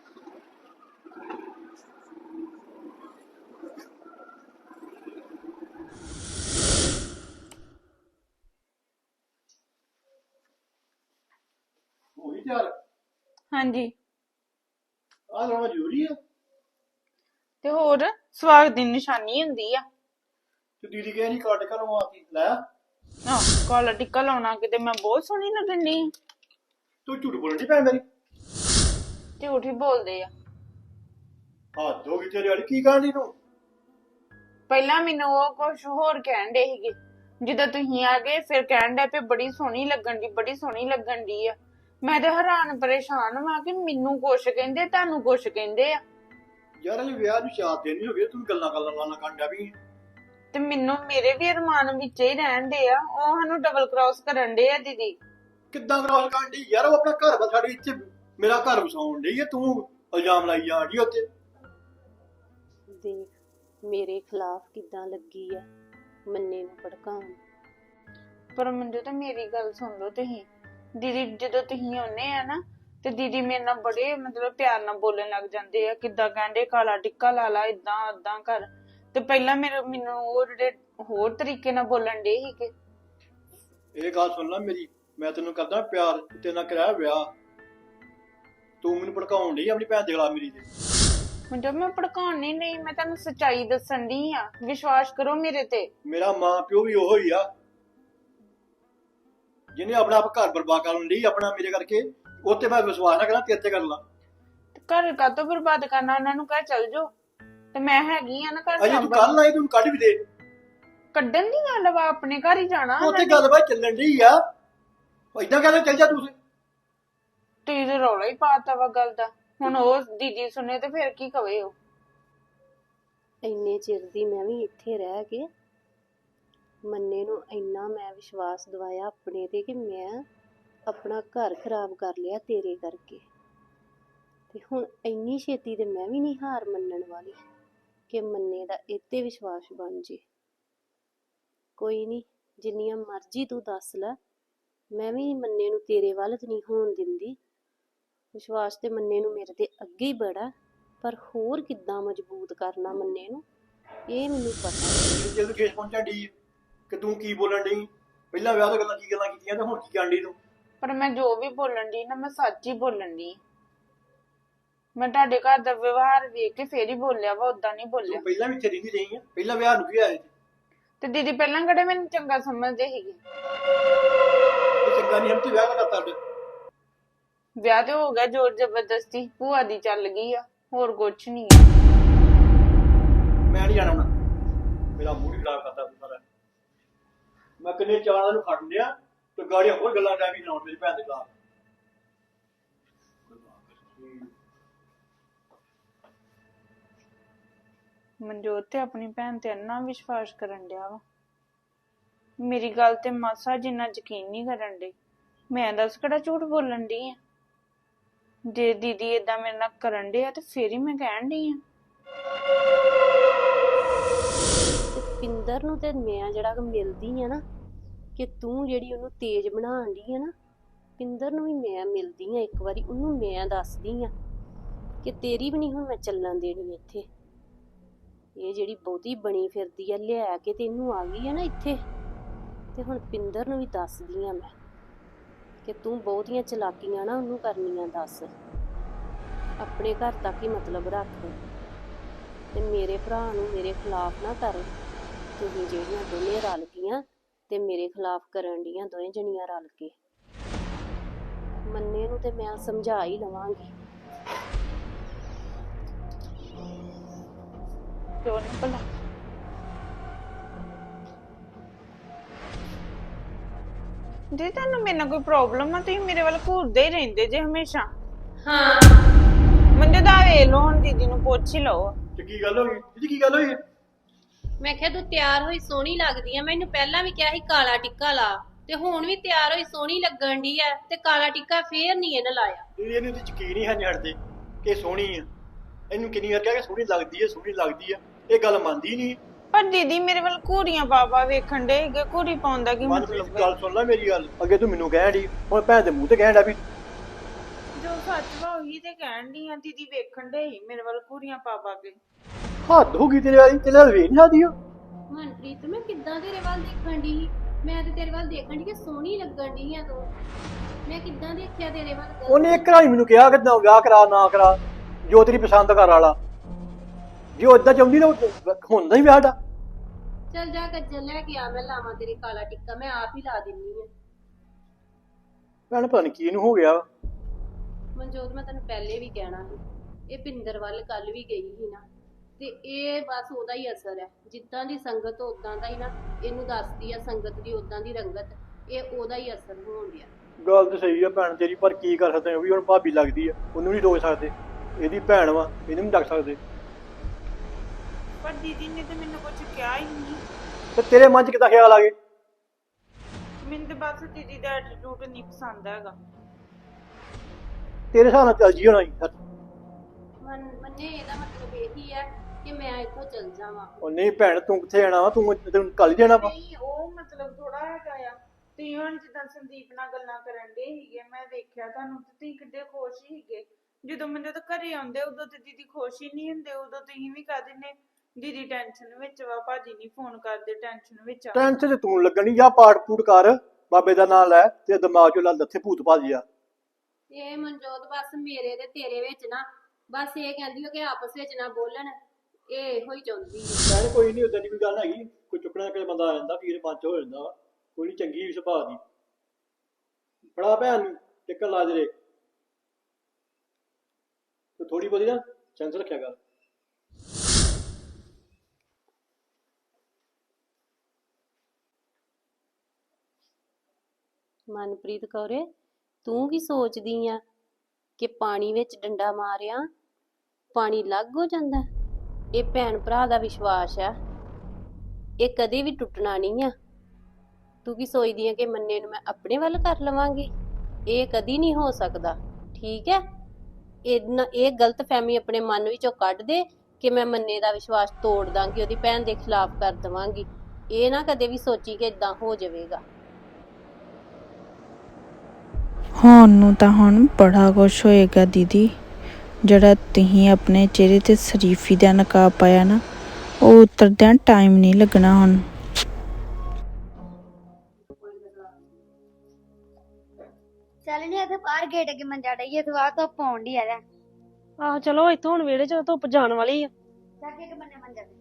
ਹੋਈ ਤਿਆਰ
ਹਾਂਜੀ
ਆ ਲਾਉਣਾ ਜ਼ਰੂਰੀ ਆ
ਤੇ ਹੋਰ ਸਵਾਗਤ ਦੀ ਨਿਸ਼ਾਨੀ ਹੁੰਦੀ ਆ।
ਤੇ ਦੀਦੀ ਕਹੇ ਨਹੀਂ ਕੱਟ ਕੇ ਲਵਾ ਕੇ ਲੈ
ਆਹ ਕਾਲਾ ਟਿੱਕਾ ਲਾਉਣਾ ਕਿਤੇ ਮੈਂ ਬਹੁਤ ਸੋਹਣੀ ਲੱਗਣ ਦੀ
ਤੂੰ ਝੂਠ ਬੋਲਣ ਦੀ ਭੈਣ ਮੇਰੀ
ਝੂਠ ਹੀ ਬੋਲਦੇ ਆ।
ਹੱਦ ਹੋ ਗਈ ਤੇਰੀ ਵਾਲੀ ਕੀ ਕਰਨੀ ਤੂੰ
ਪਹਿਲਾਂ ਮੈਨੂੰ ਉਹ ਕੁਝ ਹੋਰ ਕਹਿਣ ਦੇ ਸੀਗੇ ਜਦੋਂ ਤੁਸੀਂ ਆ ਗਏ ਫਿਰ ਕਹਿਣ ਦੇ ਪਏ ਬੜੀ ਸੋਹਣੀ ਲੱਗਣ ਦੀ ਬੜੀ ਸੋਹਣੀ ਲੱਗਣ ਦੀ ਆ। ਮੈਂ ਤੇ ਹੈਰਾਨ ਪਰੇਸ਼ਾਨ ਵਾਂ ਕਿ ਮੈਨੂੰ ਕੁਛ ਕਹਿੰਦੇ ਤੁਹਾਨੂੰ ਕੁਛ ਕਹਿੰਦੇ ਆ
ਯਾਰ ਇਹ ਵਿਆਹ ਨੂੰ ਚਾਰ ਦਿਨ ਨਹੀਂ ਹੋ ਗਏ ਤੂੰ ਗੱਲਾਂ ਗੱਲਾਂ ਲਾਣਾ ਕੰਡਾ ਵੀ
ਤੇ ਮੈਨੂੰ ਮੇਰੇ ਵੀ ਅਰਮਾਨ ਵਿੱਚ ਹੀ ਰਹਿਣ ਦੇ ਆ। ਉਹ ਸਾਨੂੰ ਡਬਲ ਕ੍ਰਾਸ ਕਰਨ ਦੇ ਆ ਦੀਦੀ।
ਕਿੱਦਾਂ ਕਰਾਲ ਕਾਂਡੀ ਯਾਰ ਉਹ ਆਪਣਾ ਘਰ ਵਾ ਸਾਡੇ ਇੱਥੇ ਮੇਰਾ ਘਰ ਵਸਾਉਣ ਡਈ ਆ ਤੂੰ ਇਲਜ਼ਾਮ ਲਾਈ ਜਾਂਦੀ ਉੱਤੇ
ਦੇਖ ਮੇਰੇ ਖਿਲਾਫ ਕਿੱਦਾਂ ਲੱਗੀ ਆ ਮੰਨੇ ਨੂੰ ਭੜਕਾਉਣ।
ਪਰ ਮੈਨੂੰ ਤਾਂ ਮੇਰੀ ਗੱਲ ਸੁਣ ਲਓ ਤੁਸੀਂ ਦੀਦੀ ਜਦੋਂ ਤੁਸੀਂ ਆਉਨੇ ਆ ਨਾ ਤੇ ਦੀਦੀ ਮੇਰੇ ਨਾਲ ਬੜੇ ਮਤਲਬ ਪਿਆਰ ਨਾਲ ਬੋਲਣ ਲੱਗ ਜਾਂਦੇ ਆ ਕਿੱਦਾਂ ਕਹਿੰਦੇ ਕਾਲਾ ਟਿੱਕਾ ਲਾ ਲਾ ਇਦਾਂ ਏਦਾਂ ਕਰ ਤੇ ਪਹਿਲਾਂ ਮੇਰੇ ਮੈਨੂੰ ਉਹ ਜਿਹੜੇ ਹੋਰ ਤਰੀਕੇ ਨਾਲ ਬੋਲਣ ਦੇ ਸੀ ਕਿ
ਇਹ ਗੱਲ ਸੁਣ ਲੈ ਮੇਰੀ ਮੈਂ ਤੈਨੂੰ ਕਰਦਾ ਪਿਆਰ ਤੇਰੇ ਨਾਲ ਕਰਾਇਆ ਵਿਆਹ ਤੂੰ ਮੈਨੂੰ ਭੜਕਾਉਣ ਡਈ ਆਪਣੀ ਭੈਣ ਦੇ ਖਿਲਾਫ ਮੇਰੀ ਤੇ
ਮੈਨੂੰ ਮੈਂ ਭੜਕਾਉਣ ਨਹੀਂ ਨਹੀਂ ਮੈਂ ਤੁਹਾਨੂੰ ਸੱਚਾਈ ਦੱਸਣ ਦੀ ਆ ਵਿਸ਼ਵਾਸ ਕਰੋ ਮੇਰੇ ਤੇ।
ਮੇਰਾ ਮਾਂ ਪਿਓ ਵੀ ਉਹੋ ਹੀ ਆ ਜਿਹਨੇ ਆਪਣਾ ਆਪ ਘਰ ਬਰਬਾਦ ਕਰਨ ਲਈ ਆਪਣਾ ਮੇਰੇ ਕਰਕੇ ਉੱਤੇ ਮੈਂ ਵਿਸ਼ਵਾਸ ਨਾ ਕਰਾਂ ਤੇਰੇ ਤੇ ਕਰ ਲਾਂ
ਤੇ ਘਰ ਕਾਤੋਂ ਬਰਬਾਦ ਕਰਨਾ ਉਹਨਾਂ ਨੂੰ ਕਹਿ ਚੱਲ ਜਾਓ ਤੇ ਮੈਂ ਹੈਗੀ ਆ ਨਾ ਘਰ
ਅਜੇ ਤੂੰ
ਸਾਂਭਣ।
ਕੱਲ ਆਈ ਤੂੰ ਕੱਢ ਵੀ ਦੇ
ਕੱਢਣ ਦੀ ਗੱਲ ਵਾ ਆਪਣੇ ਘਰ ਹੀ ਜਾਣਾ
ਉੱਥੇ ਗੱਲਬਾਤ ਚੱਲਣ ਡਈ ਆ ਏਦਾਂ ਕਹਿੰਦੇ ਚੱਲ ਜਾ ਤੂੰ
ਤੁਸੀਂ ਤੇ ਰੌਲਾ ਹੀ ਪਾਤਾ ਵਾ ਗੱਲ ਦਾ। ਹੁਣ ਉਹ ਦੀਦੀ ਸੁਣੇ ਤੇ ਫਿਰ ਕੀ ਕਵੇ ਉਹ।
ਇੰਨੇ ਚਿਰ ਦੀ ਮੈਂ ਵੀ ਇੱਥੇ ਰਹਿ ਕੇ ਮੰਨੇ ਨੂੰ ਇੰਨਾ ਮੈਂ ਵਿਸ਼ਵਾਸ ਦਿਵਾਇਆ ਆਪਣੇ ਤੇ ਕਿ ਮੈਂ ਆਪਣਾ ਘਰ ਖਰਾਬ ਕਰ ਲਿਆ ਤੇਰੇ ਕਰਕੇ। ਤੇ ਹੁਣ ਇੰਨੀ ਛੇਤੀ ਤੇ ਮੈਂ ਵੀ ਨਹੀਂ ਹਾਰ ਮੰਨਣ ਵਾਲੀ ਕਿ ਮੰਨੇ ਦਾ ਇੱਥੇ ਵਿਸ਼ਵਾਸ ਬਣ ਜੇ। ਕੋਈ ਨਹੀਂ ਜਿੰਨੀਆਂ ਮਰਜ਼ੀ ਤੂੰ ਦੱਸ ਲੈ ਮੈਂ ਵੀ ਮੰਨੇ ਨੂੰ ਤੇਰੇ ਵੱਲ ਤੇ ਨਹੀਂ ਹੋਣ ਦਿੰਦੀ। ਵਿਸ਼ਵਾਸ ਤੇ ਮੰਨੇ ਨੂੰ ਮੇਰੇ ਤੇ ਅੱਗੇ ਹੀ ਬੜਾ ਪਰ ਹੋਰ ਕਿੱਦਾਂ ਮਜ਼ਬੂਤ ਕਰਨਾ ਮੰਨੇ ਨੂੰ ਇਹ ਮੈਨੂੰ ਪਤਾ।
ਜਦ ਕੇਸ ਪਹੁੰਚਾ ਡੀ ਕਿ ਤੂੰ ਕੀ ਬੋਲਣ ਡਈ ਪਹਿਲਾਂ ਵਿਆਹ ਤੋਂ ਗੱਲਾਂ ਕੀ ਗੱਲਾਂ ਕੀਤੀਆਂ ਤੇ ਹੁਣ ਕੀ ਕਰਨ ਡਈ ਤੂੰ
ਪਰ ਮੈਂ ਜੋ ਵੀ ਬੋਲਣ ਦੀ ਨਾ ਮੈਂ ਸੱਚ ਹੀ ਬੋਲਣ ਦੀ। ਮੈਂ ਤੁਹਾਡੇ ਘਰ ਦਾ ਵਿਵਹਾਰ ਵੇਖ ਕੇ ਫੇਰ ਹੀ ਬੋਲਿਆ ਵਾ ਉਦਾਂ ਨਹੀਂ ਬੋਲਿਆ।
ਤੂੰ ਪਹਿਲਾਂ ਵੀ ਇੱਥੇ ਰਹਿੰਦੀ ਰਹੀ ਆ ਪਹਿਲਾਂ ਵਿਆਹ ਨੂੰ ਕੀ ਆਏ
ਤੇ ਦੀਦੀ ਪਹਿਲਾਂ ਕਿਹੜੇ ਮੈਨੂੰ ਚੰਗਾ ਸਮਝਦੇ ਸੀਗੇ।
ਤੇ ਚੰਗਾ ਨਹੀਂ ਹਮ ਤੇ ਵਿਆਹ ਕਰਤਾ ਅੱਡ
ਵਿਆਹ ਤੇ ਹੋ ਗਿਆ ਜ਼ੋਰ ਜ਼ਬਰਦਸਤੀ ਭੂਆ ਦੀ ਚੱਲ ਗਈ ਆ ਹੋਰ ਕੁਛ ਨਹੀਂ।
ਮੈਂ ਨਹੀਂ ਜਾਣਾ ਹੁਣ ਮੇਰਾ ਮੂਡ ਖਰਾਬ ਕਰਦਾ ਤੂੰ ਸਾਰਾ ਮੈਂ ਕਿੰਨੇ ਚਾਰਾਂ ਨੂੰ ਖੜ ਲਿਆ ਤੇ ਗਾੜੀਆਂ ਹੋਰ ਗੱਲਾਂ ਡਾਵੀ ਲਾਉਣ ਮੇਰੀ ਭੈਣ ਦੇ ਖਿਲਾਫ
ਮਨਜੋਤ ਤੇ ਆਪਣੀ ਭੈਣ ਤੇ ਇੰਨਾ ਵਿਸ਼ਵਾਸ ਕਰਨ ਡਿਆ ਵਾ ਮੇਰੀ ਗੱਲ ਤੇ ਮਾਸਾ ਜਿੰਨਾ ਯਕੀਨ ਨਹੀਂ ਕਰਨ ਡਈ। ਮੈਂ ਦੱਸ ਕਿਹੜਾ ਝੂਠ ਬੋਲਣ ਡਈ ਆ। ਜੇ ਦੀਦੀ ਏਦਾਂ ਮੇਰੇ ਨਾਲ ਕਰਨ ਡਿਆ ਤੇ ਫੇਰ ਹੀ ਮੈਂ ਕਹਿਣ ਡਈ ਆ।
ਤੇ ਪਿੰਦਰ ਨੂੰ ਤੇ ਮੈਂ ਜਿਹੜਾ ਮਿਲਦੀ ਆ ਨਾ ਕਿ ਤੂੰ ਜਿਹੜੀ ਉਹਨੂੰ ਤੇਜ਼ ਬਣਾਉਣ ਦੀ ਆ ਨਾ ਪਿੰਦਰ ਨੂੰ ਵੀ ਮੈਂ ਮਿਲਦੀ ਆ ਇੱਕ ਵਾਰੀ ਉਹਨੂੰ ਮੈਂ ਦੱਸਦੀ ਆ ਕਿ ਤੇਰੀ ਵੀ ਨਹੀਂ ਹੁਣ ਮੈਂ ਚੱਲਣ ਦੇਣੀ ਇੱਥੇ। ਇਹ ਜਿਹੜੀ ਬਹੁਤੀ ਬਣੀ ਫਿਰਦੀ ਆ ਲਿਆ ਕੇ ਤੇ ਇਹਨੂੰ ਆ ਗਈ ਆ ਨਾ ਇੱਥੇ ਤੇ ਹੁਣ ਪਿੰਦਰ ਨੂੰ ਵੀ ਦੱਸਦੀ ਆ ਮੈਂ ਕਿ ਤੂੰ ਬਹੁਤੀਆਂ ਚਲਾਕੀਆਂ ਨਾ ਉਹਨੂੰ ਕਰਨੀਆਂ ਦੱਸ ਆਪਣੇ ਘਰ ਤੱਕ ਹੀ ਮਤਲਬ ਰੱਖ ਤੇ ਮੇਰੇ ਭਰਾ ਨੂੰ ਮੇਰੇ ਖਿਲਾਫ ਨਾ ਕਰ। ਤੁਸੀਂ ਜਿਹੜੀਆਂ ਦੋਨੇ ਰਲ ਗਈਆਂ ਤੇ ਮੇਰੇ ਖਿਲਾਫ ਕਰਨ ਡੀਆਂ ਦੋਵੇਂ ਜਣੀਆਂ ਰਲ ਕੇ ਮੰਨੇ ਨੂੰ ਤੇ ਮੈਂ ਸਮਝਾ ਹੀ ਲਵਾਂਗੀ।
ਕਿਉਂ ਨਹੀਂ ਭਲਾ ਜੇ ਤੁਹਾਨੂੰ ਮੇਰੇ ਨਾਲ ਕੋਈ ਪ੍ਰੋਬਲਮ ਆ ਤੁਸੀਂ ਮੇਰੇ ਵੱਲ ਘੂਰਦੇ ਹੀ ਰਹਿੰਦੇ ਜੇ ਹਮੇਸ਼ਾ।
ਹਾਂ
ਮੰਦੇ ਦਾ ਵੇਖ ਲਓ ਹੁਣ ਦੀਦੀ ਨੂੰ ਪੁੱਛ ਹੀ ਲਓ।
ਤੇ ਕੀ ਗੱਲ ਹੋ ਗਈ ਇਹਦੀ ਕੀ ਗੱਲ ਹੋਈ
ਮੈਂ ਕਿਹਾ ਤੂੰ ਤਿਆਰ ਹੋਈ ਸੋਹਣੀ ਲੱਗਦੀ ਆ, ਮੈਨੂੰ ਪਹਿਲਾਂ ਵੀ ਕਿਹਾ ਸੀ ਕਾਲਾ ਟਿੱਕਾ ਲਾ, ਤੇ ਹੁਣ ਵੀ ਤਿਆਰ ਹੋਈ ਸੋਹਣੀ ਲੱਗਣ ਦੀ ਆ, ਤੇ ਕਾਲਾ ਟਿੱਕਾ ਫੇਰ ਨਹੀਂ ਇਹਨੇ ਲਾਇਆ।
ਦੀਦੀ ਇਹਨੂੰ ਤੇ ਯਕੀਨ ਹੀ ਹੈ ਨਹੀਂ ਹਟਦੇ ਕਿ ਸੋਹਣੀ ਆ। ਇਹਨੂੰ ਕਿੰਨੀ ਵਾਰ ਕਿਹਾ ਕਿ ਸੋਹਣੀ ਲੱਗਦੀ ਹੈ ਸੋਹਣੀ ਲੱਗਦੀ ਆ, ਇਹ ਗੱਲ ਮੰਨਦੀ ਨਹੀਂ।
ਪਰ ਦੀਦੀ ਮੇਰੇ ਵੱਲ ਘੂਰੀਆਂ ਪਾਪਾ ਵੇਖਣ ਦੇ ਹੈਗੇ, ਘੂਰੀ ਪਾਉਣ ਦਾ ਕੀ
ਮਨਪ੍ਰੀਤ
ਮਤਲਬ ਹੈ?
ਗੱਲ ਸੁਣ ਲੈ ਮੇਰੀ ਗੱਲ, ਅੱਗੇ ਤੂੰ ਮੈਨੂੰ ਕਹਿਣ ਡਈ, ਹੁਣ ਭੈਣ ਦੇ ਮੂੰਹ ਤੇ ਕਹਿਣ ਡਿਆ ਵੀ
ਜੋ ਸੱਚ ਵਾ ਉਹੀ ਤੇ ਕਹਿਣ ਦੀ ਆ। ਦੀਦੀ ਵੇਖਣ ਦੇ ਹੀ ਮੇਰੇ ਵੱਲ ਘੂਰੀਆਂ ਪਾ ਪਾ ਕੇ।
ਹੱਦ ਹੋ ਗਈ ਤੇਰੇ ਵਾਲੀ, ਤੇਰੇ ਨਾਲ ਵੇਖ ਨਹੀਂ ਸਕਦੀ ਉਹ।
ਮਨਪ੍ਰੀਤ ਮੈਂ ਕਿੱਦਾਂ ਤੇਰੇ ਵੱਲ ਦੇਖਣ ਦੀ ਸੀ? ਮੈਂ ਤੇ ਤੇਰੇ ਵੱਲ ਦੇਖਣ ਦੀ ਕਿ ਸੋਹਣੀ ਲੱਗਣ ਦੀ ਆ ਤੂੰ। ਮੈਂ ਕਿੱਦਾਂ ਦੇਖਿਆ ਤੇਰੇ ਵੱਲ? ਗਲਤ?
ਉਹਨੇ ਇੱਕ ਵਾਰੀ ਮੈਨੂੰ ਕਿਹਾ ਕਿ ਨਾ ਵਿਆਹ ਕਰਾ ਨਾ ਕਰਾ, ਜੋ ਤੇਰੀ ਪਸੰਦ ਕਰ ਵਾਲਾ। ਜੇ ਉਹ ਏਦਾਂ ਚਾਹੁੰਦੀ ਨਾ ਹੁੰਦਾ ਹੀ ਵਿਆਹ ਦਾ।
ਚੱਲ ਜਾ ਕੱਜਲ ਲੈ ਕੇ ਆ, ਮੈਂ ਲਾਵਾਂ ਤੇਰੇ ਕਾਲਾ ਟਿੱਕਾ, ਮੈਂ ਆਪ ਹੀ ਲਾ ਦਿੰਨੀ ਆ।
ਭੈਣ ਪਤਾ ਨੀ ਕੀ ਇਹਨੂੰ ਹੋ ਗਿਆ।
ਮਨਜੋਤ ਮੈਂ ਤੈਨੂੰ ਪਹਿਲੇ ਵੀ ਕਹਿਣਾ ਸੀ, ਇਹ ਪਿੰਦਰ ਵੱਲ ਕੱਲ ਵੀ ਗਈ ਸੀ ਨਾ, ਤੇ ਇਹ ਬਸ ਉਹਦਾ ਹੀ ਅਸਰ ਹੈ। ਜਿੱਦਾਂ ਦੀ ਸੰਗਤ ਉਦਾਂ ਦਾ ਹੀ ਨਾ ਇਹਨੂੰ ਦੱਸਦੀ ਆ, ਸੰਗਤ ਦੀ ਉਦਾਂ ਦੀ ਰੰਗਤ, ਇਹ ਉਹਦਾ ਹੀ ਅਸਰ ਹੋਣ ਡਿਆ।
ਗੱਲ ਤਾਂ ਸਹੀ ਆ ਭੈਣ ਤੇਰੀ, ਪਰ ਕੀ ਕਰ ਸਕਦੇ, ਉਹ ਵੀ ਹੁਣ ਭਾਬੀ ਲੱਗਦੀ ਆ, ਉਹਨੂੰ ਨਹੀਂ ਰੋਕ ਸਕਦੇ। ਇਹਦੀ ਭੈਣ ਵਾ, ਇਹਨੂੰ ਨਹੀਂ ਡੱਕ ਸਕਦੇ।
ਪਰ ਦੀਦੀ ਨੇ ਤੇ ਮੈਨੂੰ ਕੁਝ ਕਿਹਾ ਹੀ ਨਹੀਂ।
ਤੇ ਤੇਰੇ ਮਨ 'ਚ ਕਿੱਦਾਂ ਖਿਆਲ ਆ ਗਏ?
ਮੈਨੂੰ ਤੇ ਬਸ ਦੀਦੀ ਦਾ ਐਟੀਟਿਊਡ ਨਹੀਂ ਪਸੰਦ ਹੈਗਾ।
ਤੇਰੇ ਹਿਸਾਬ ਨਾਲ ਚੱਲ ਜੀ ਹੋਣਾ ਸੀ।
ਮਨ ਮੰਨੇ ਇਹਦਾ ਮਤਲਬ ਇਹੀ ਹੈ ਕਿ ਮੈਂ ਇੱਥੋਂ ਚੱਲ ਜਾਵਾਂ।
ਉਹ ਨਹੀਂ ਭੈਣ, ਤੂੰ ਕਿੱਥੇ ਜਾਣਾ ਵਾ? ਤੂੰ ਤੈਨੂੰ ਕੱਲ ਹੀ ਜਾਣਾ ਵਾ।
ਨਹੀਂ ਉਹ ਮਤਲਬ ਥੋੜਾ ਹੈਗਾ ਆ। ਤੁਸੀਂ ਹੁਣ ਜਿੱਦਾਂ ਸੰਦੀਪ ਨਾਲ ਗੱਲਾਂ ਕਰਨ ਦੇ ਸੀਗੇ, ਮੈਂ ਦੇਖਿਆ ਤੁਹਾਨੂੰ ਤੇ ਤੁਸੀਂ ਕਿੱਡੇ ਖੁਸ਼ ਸੀਗੇ। ਜਦੋਂ ਮੈਨੂੰ ਤਾਂ ਘਰੇ ਆਉਂਦੇ ਉਦੋਂ ਤੇ ਦੀਦੀ ਖੁਸ਼ ਹੀ ਨਹੀਂ ਹੁੰਦੇ, ਉਦੋਂ ਤੁਸੀਂ ਵੀ ਕਹਿ ਦਿੰਦੇ ਦੀਦੀ ਟੈਨਸ਼ਨ ਵਿੱਚ ਵਾ, ਭਾਜੀ ਨਹੀਂ ਫੋਨ ਕਰਦੇ ਟੈਨਸ਼ਨ ਵਿੱਚ ਆ।
ਟੈਨਸ਼ਨ ਤੇ ਤੂੰ ਲੱਗਣੀ, ਜਾਂ ਪਾਠ ਪੂਟ ਕਰ, ਬਾਬੇ ਦਾ ਨਾਮ ਲੈ, ਤੇ ਦਿਮਾਗ 'ਚੋਂ ਲੱਲ ਲੱਥੇ ਭੂਤ ਭਾਜੀ ਆ।
ਇਹ ਮਨਜੋਤ ਬਸ ਮੇਰੇ ਤੇ ਤੇਰੇ ਵਿੱਚ ਨਾ ਬਸ ਇਹ ਕਹਿੰਦੀ ਹੋ ਕਿ ਆਪਸ ਵਿੱਚ ਨਾ ਬੋਲਣ, ਇਹ ਇਹੋ ਹੀ ਚਾਹੁੰਦੀ ਹੈ।
ਭੈਣ ਕੋਈ ਨਹੀਂ, ਉਦਾਂ ਦੀ ਕੋਈ ਗੱਲ ਹੈਗੀ, ਕੋਈ ਚੁੱਕਣਾ ਕਿ ਬੰਦਾ ਆ ਜਾਂਦਾ, ਵੀਰ ਮਨ 'ਚ ਹੋ ਜਾਂਦਾ ਵਾ, ਕੋਈ ਨਹੀਂ, ਚੰਗੀ ਸੁਭਾਅ ਦੀ। ਫੜਾ ਭੈਣ ਨੂੰ ਟਿੱਕਾ ਲਾ ਜਰੇ, ਤੇ ਥੋੜੀ ਬਹੁਤੀ ਨਾ ਸੈਂਸ ਰੱਖਿਆ ਕਰ।
ਮਨਪ੍ਰੀਤ ਕੌਰੇ, ਤੂੰ ਕੀ ਸੋਚਦੀ ਆ ਕਿ ਪਾਣੀ ਵਿੱਚ ਡੰਡਾ ਮਾਰਿਆ ਪਾਣੀ ਲੱਗ ਹੋ ਜਾਂਦਾ? ਇਹ ਭੈਣ ਭਰਾ ਦਾ ਵਿਸ਼ਵਾਸ ਆ, ਇਹ ਕਦੇ ਵੀ ਟੁੱਟਣਾ ਨਹੀਂ ਆ। ਤੂੰ ਕੀ ਸੋਚਦੀ ਆ ਕਿ ਮੰਨੇ ਨੂੰ ਮੈਂ ਆਪਣੇ ਵੱਲ ਕਰ ਲਵਾਂਗੀ? ਇਹ ਕਦੀ ਨਹੀਂ ਹੋ ਸਕਦਾ, ਠੀਕ ਹੈ? ਇਹ ਇਹ ਗਲਤ ਫਹਿਮੀ ਆਪਣੇ ਮਨ ਵਿੱਚੋਂ ਕੱਢ ਦੇ ਕਿ ਮੈਂ ਮੰਨੇ ਦਾ ਵਿਸ਼ਵਾਸ ਤੋੜ ਦਾਂਗੀ, ਉਹਦੀ ਭੈਣ ਦੇ ਖਿਲਾਫ ਕਰ ਦੇਵਾਂਗੀ। ਇਹ ਨਾ ਕਦੇ ਵੀ ਸੋਚੀ ਕਿ ਇਦਾਂ ਹੋ ਜਾਵੇਗਾ।
ਹੁਣ ਨੂੰ ਤਾਂ ਹੁਣ ਬੜਾ ਕੁਛ ਹੋਏਗਾ ਦੀਦੀ, ਜਿਹੜਾ ਤੁਸੀਂ ਆਪਣੇ ਚਿਹਰੇ ਤੇ ਸ਼ਰੀਫੀ ਦਾ ਨਕਾਬ ਪਾਇਆ ਨਾ, ਉਹ ਉਤਰਦਿਆਂ ਟਾਈਮ ਨਹੀਂ ਲੱਗਣਾ ਹੁਣ।
ਚੱਲ ਨਹੀਂ ਇੱਥੇ ਬਾਹਰ ਗੇਟ ਅੱਗੇ ਮੰਜਾ ਡਈਏ, ਤੂੰ ਆ ਧੁੱਪ ਆਉਣ ਡਈ ਆ ਜਾ।
ਆਹੋ ਚਲੋ ਇੱਥੋਂ ਹੁਣ ਵਿਹੜੇ ਚ ਧੁੱਪ ਜਾਣ ਵਾਲੀ ਆ।
ਚੱਕ ਇੱਕ ਬੰਨੇ ਮੰਜਾ ਦੇ।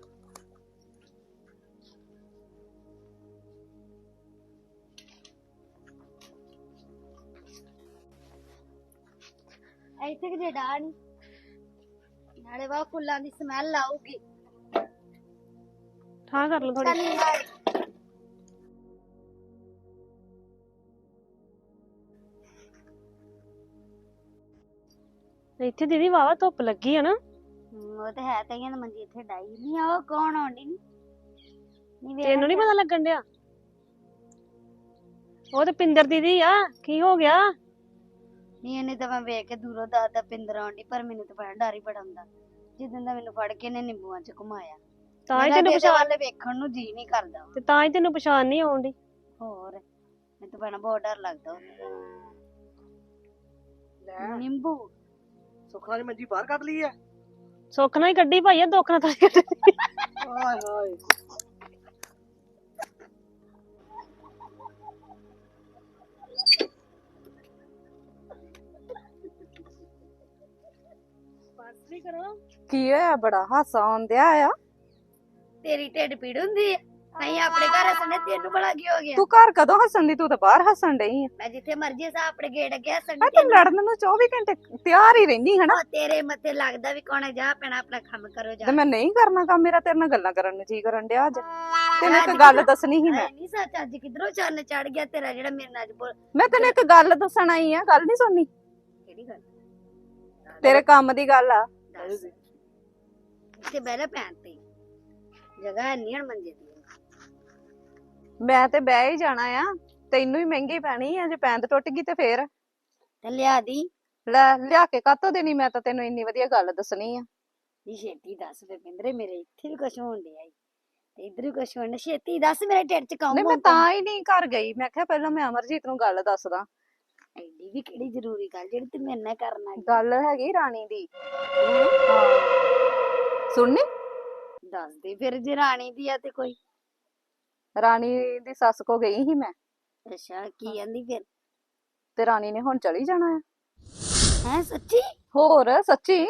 ਇੱਥੇ ਕਿਤੇ ਡਾ ਨੀ, ਨਾਲੇ ਵਾ ਫੁੱਲਾਂ ਦੀ ਸਮੈਲ ਆਊਗੀ।
ਠਾਂ ਕਰ ਲਓ ਥੋੜੀ।
ਚੱਲ ਯਾਰ,
ਇੱਥੇ ਦੀਦੀ ਵਾਵਾ ਧੁੱਪ ਲੱਗੀ ਆ ਨਾ।
ਹਮ, ਉਹ ਤੇ ਹੈ, ਕਈਆਂ ਦੀ ਮੰਜੀ ਇੱਥੇ ਡਾਈ ਨਹੀਂ ਆ। ਉਹ ਕੌਣ ਆਉਂਦੀ ਨੀ? ਨੀ ਵੇਖ
ਤੈਨੂੰ ਨੀ ਪਤਾ ਲੱਗਣ ਡਿਆ? ਉਹ ਤੇ ਪਿੰਦਰ ਦੀਦੀ ਆ। ਕੀ ਹੋ ਗਿਆ?
ਨਹੀਂ, ਇਹਨੇ ਤਾਂ ਮੈਂ ਵੇਖ ਕੇ ਦੂਰੋਂ ਦਾਦਾ ਪਿੰਦਰ ਆਉਂਦੀ, ਪਰ ਮੈਨੂੰ ਤਾਂ ਬੜਾ ਡਰ ਹੀ ਬੜਾ ਹੁੰਦਾ ਜਿੱਦਾਂ ਦਾ ਮੈਨੂੰ ਫੜ ਕੇ ਇਹਨੇ ਨਿੰਬੂਆਂ ਚ ਘੁਮਾਇਆ।
ਤਾਂ ਹੀ
ਮੇਰਾ
ਤੈਨੂੰ
ਤੇ ਇਹਦੇ
ਪਛਾਣ
ਵੱਲ ਵੇਖਣ ਨੂੰ ਜੀ ਨਹੀਂ ਕਰਦਾ।
ਤੇ ਤਾਂ ਹੀ ਤੈਨੂੰ ਪਛਾਣ ਨਹੀਂ ਆਉਂਦੀ।
ਹੋਰ ਮੈਨੂੰ ਤਾਂ ਬੜਾ ਬਹੁਤ ਡਰ ਲੱਗਦਾ ਉਹਦਾ। ਨਿੰਬੂ
ਸੁੱਖਾਂ ਦੀ ਮੰਜੀ ਬਾਹਰ ਕੱਢ ਲਈ ਆ।
ਸੁੱਖ ਨਾਲ ਹੀ ਕੱਢੀ ਭਾਈ ਆ, ਦੁੱਖ ਨਾਲ ਤਾਂ ਨੀ ਕੱਢੀ।
ਹਾਏ ਹਾਏ,
ਬਸ ਵੀ ਕਰੋ।
ਕੀ ਹੋਇਆ? ਬੜਾ ਹਾਸਾ ਆਉਂਦਿਆ ਆ।
ਤੇਰੀ ਢਿੱਡ ਪੀੜ ਹੁੰਦੀ ਹੈ? ਨਹੀਂ, ਆਪਣੇ ਘਰ ਹੱਸਣੇ, ਤੈਨੂੰ ਬੜਾ ਕੀ ਹੋ ਗਿਆ?
ਤੂੰ ਘਰ ਕਦੋਂ ਹੱਸਣ ਦੀ? ਤੂੰ ਤਾਂ ਬਾਹਰ ਹੱਸਣ ਡਈ ਆ।
ਮੈਂ ਜਿੱਥੇ ਮਰਜੀ ਸਾ ਆਪਣੇ ਗੇਟ ਅੱਗੇ ਹੱਸਣ
ਆ
ਦੀ।
ਤੂੰ ਲੜਨ ਨੂੰ ਚੌਵੀ ਘੰਟੇ ਤਿਆਰ ਹੀ ਰਹਿੰਦੀ ਹਨਾ।
ਉਹ ਤੇਰੇ ਮੱਥੇ ਲੱਗਦਾ ਵੀ ਕੌਣ ਹੈ? ਜਾ ਪੈਣਾ ਆਪਣਾ ਕੰਮ ਕਰੋ ਜਾ।
ਤੇ ਮੈਂ ਨਹੀਂ ਕਰਨਾ ਕੰਮ, ਮੇਰਾ ਤੇਰੇ ਨਾਲ ਗੱਲਾਂ ਕਰਨ ਨੂੰ ਜੀ ਕਰਨ ਡਿਆ ਅੱਜ। ਤੈਨੂੰ ਇੱਕ ਗੱਲ ਦੱਸਣੀ ਸੀ ਮੈਂ।
ਨਹੀਂ ਸੱਚ, ਅੱਜ ਕਿਧਰੋਂ ਚੰਨ ਚੜ ਗਿਆ ਤੇਰਾ, ਜਿਹੜਾ ਮੇਰੇ ਨਾਲ ਅੱਜ ਬੋਲ।
ਮੈਂ ਤੈਨੂੰ ਇੱਕ ਗੱਲ ਦੱਸਣ ਆਈ ਆ, ਗੱਲ ਨਹੀਂ ਸੁਣਨੀ?
ਕਿਹੜੀ ਗੱਲ?
ਤੇਰੇ ਕੰਮ ਦੀ ਗੱਲ ਆ।
ਦੱਸ। ਇੱਥੇ ਬਹਿ ਲੈ ਭੈਣ ਤੇ। ਜਗ੍ਹਾ ਨਹੀਂ ਹਣ ਮੰਜੇ ਦੀ।
ਮੈਂ ਤੇ ਬਹਿ ਹੀ ਜਾਣਾ ਆ, ਤੈਨੂੰ ਹੀ ਮਹਿੰਗੀ ਪੈਣੀ ਆ, ਜੇ ਪੈਂਦ ਟੁੱਟ ਗਈ ਤੇ ਫੇਰ
ਤੇ ਲਿਆ ਦੀ
ਲੈ ਲਿਆ ਕੇ ਕਾਤੋਂ ਦੇਣੀ, ਮੈਂ ਤਾਂ ਤੈਨੂੰ ਇੰਨੀ ਵਧੀਆ ਗੱਲ ਦੱਸਣੀ ਆ।
ਜੀ ਛੇਤੀ ਦੱਸ ਦੇ ਪਿੰਦਰੇ, ਮੇਰੇ ਇੱਥੇ ਵੀ ਕੁਛ ਹੋਣ ਡਿਆ ਈ ਤੇ ਇੱਧਰ ਵੀ ਕੁਛ ਹੋਣ ਡਿਆ। ਛੇਤੀ ਦੱਸ, ਮੇਰੇ ਢਿੱਡ ਚ ਕੰਮ
ਨਹੀਂ ਮੈਂ ਤਾਂ ਹੀ ਨਹੀਂ ਘਰ ਗਈ, ਮੈਂ ਕਿਹਾ ਪਹਿਲਾਂ ਮੈਂ ਅਮਰਜੀਤ ਨੂੰ ਗੱਲ ਦੱਸਦਾ।
ਐਡੀ ਵੀ ਕਿਹੜੀ ਜ਼ਰੂਰੀ ਗੱਲ ਜਿਹੜੀ ਤੂੰ ਮੇਰੇ ਨਾਲ ਕਰਨਾ ਈ?
ਗੱਲ ਹੈਗੀ ਰਾਣੀ ਦੀ। ਸੁਣਨੀ
ਦੱਸ ਦੇ ਫਿਰ, ਜੇ ਰਾਣੀ ਦੀ ਆ ਤੇ ਕੋਈ।
ਰਾਣੀ ਦੀ ਸੱਸ ਕੋ ਗਈ ਸੀ ਮੈਂ,
ਅੱਛਾ, ਕੀ ਕਹਿੰਦੀ ਫਿਰ?
ਤੇ ਰਾਣੀ ਨੇ ਹੁਣ ਚਲੀ ਜਾਣਾ ਆ।
ਹੈ ਸੱਚੀ?
ਹੋਰ ਸੱਚੀ।